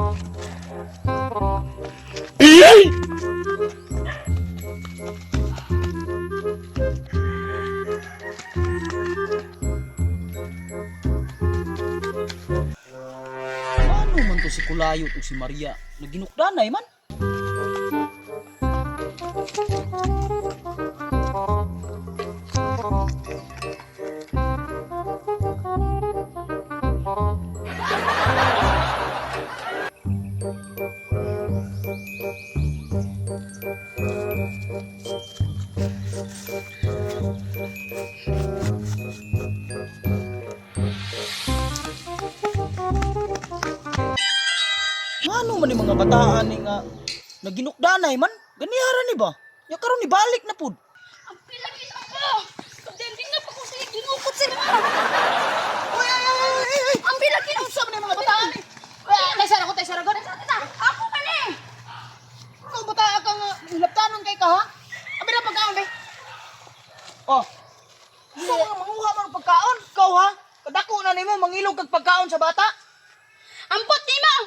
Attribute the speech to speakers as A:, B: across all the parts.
A: Ano man to si Kulayot o si Maria? Naginukdanay man. Ano man yung mga bataan ni nga naginukdanay man? Ganihara ni ba? Ya karon ni balik na pud.
B: Ang pilagin ako! Kadending na pa ko siya ginukot sila!
A: Ay!
B: Ang pilagin ako sa mga bataan! Taysara ko, taysara ko! Ako man eh!
A: Ikaw bata ka nga hilaptanon kay ka ha?
B: Abi na pagkaon be!
A: Oh. Gusto mo manguha man og pagkaon? Ikaw ha? Kadako na nimo mangilog kag pagkaon sa bata?
B: Ampot ni mo!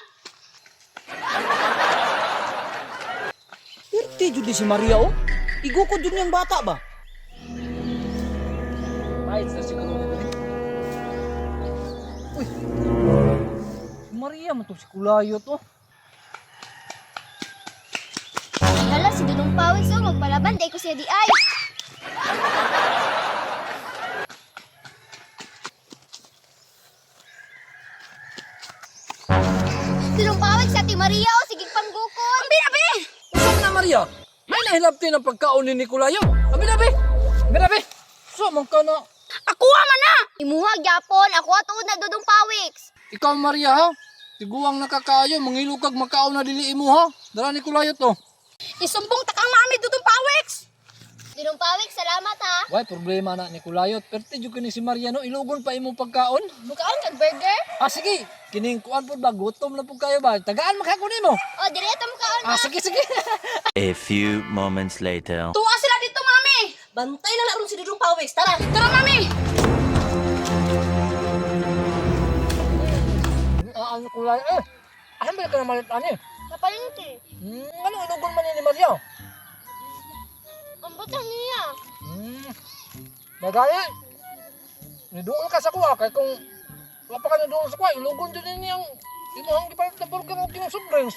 A: Pirti jud si Maria oh. Igukod jud niyang bata ba? Ay, sa siguro nito. Uy. Si Maria man to si Kulayot oh.
C: Hala, si Dudong Pawis oh, magpalaban, day ko siya di ay. Dudong Pawis sa Ate Maria oh, sige panggukod.
B: Abi na be!
D: Saan na Maria? May nahilapti ng pagkaon ni Nicolayo. Abi na be! Abi na be! So, man ka na.
B: Ako man na!
C: Imuha gyapon, ako atuod na Dudong Pawis.
D: Ikaw Maria ha? Tiguang nakakaayo, mangilog kag makaon na dili imo ha? Dara Nicolayo to.
B: Isumbong takang mami dudong pawex!
C: Dudong Pawis, salamat ha.
D: Why problema na Nicolayo? Perti jud kini si Maria no, ilugon pa imong pagkaon.
C: Bukaan kag burger?
D: Ah sige, kining kuan pud ba gutom na pud kayo ba? Tagaan makakon nimo.
C: O, direto mo kaon
D: Ah sige sige.
E: A few moments later.
B: Tuwa sila dito mami!
F: Bantay na laron si Dudong Pawis. Tara!
B: Tara mami!
D: Ah Nicolayo asan ba ka na malit ani?
C: Napalingki.
D: Ano ilugon man ni Maria?
C: Ang butang niya.
D: Nagaya. Niduol ka sa kuha kay kung wala pa ka niduol sa kuha, ilugon din niyang imuhang gipalit na burger o kinang soft drinks.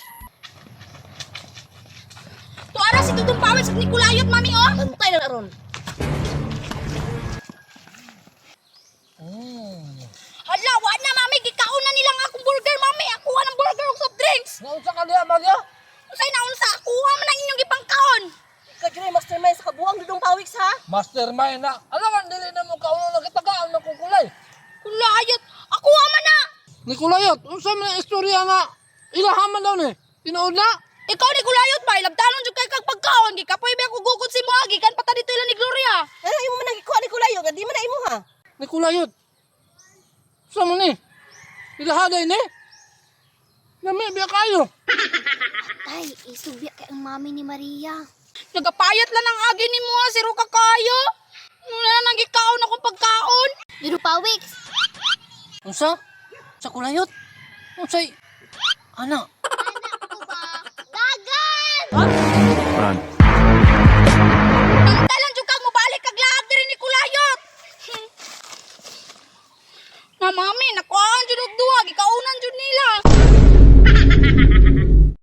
B: Tuara si dudong pawex at Nicolayot mami oh!
F: Bantay na laron.
B: Hala, wala na mami! Gikaon na nilang akong burger mami! Akuha ng burger ug soft drinks!
D: Naunsa ka diya, Maria?
B: Usay na unsa! Akuha man ang inyong ipangkaon!
F: Ikaw dyan ay mastermind sa kabuang Dudong Pawis ha?
D: Mastermind na. Alam ka, dili na mo kauno na kitagaan na kukulay.
B: Kulayot! Akuha man na!
D: Nicolayot, unsa man ang istorya na ilahaman daw ni? Tinuod na?
B: Ikaw ni Kulayot ba? Ilabdanon jud kay kag pagkaon! Gikapoy ba ako gugod si Moagi kan pata dito ila ni Gloria!
F: Ano imo man nagikuha ni Kulayo? Nga di man na imo ha?
D: Nicolayot. Unsa man ni? Ilahaday ni? Nami biya kayo.
C: Ay, isubya kay ang mami ni Maria.
B: Nagapayat lang ang agi ni Moa si Ruka kayo! Wala na nang gikaon akong pagkaon!
C: Dudong Pawis.
D: Unsa? Sa kulayot? Unsay? Ana?
C: Gagan!
E: Run.
B: Pantalan jud kag mobalik kag laag diri ni Kulayot! Na mami,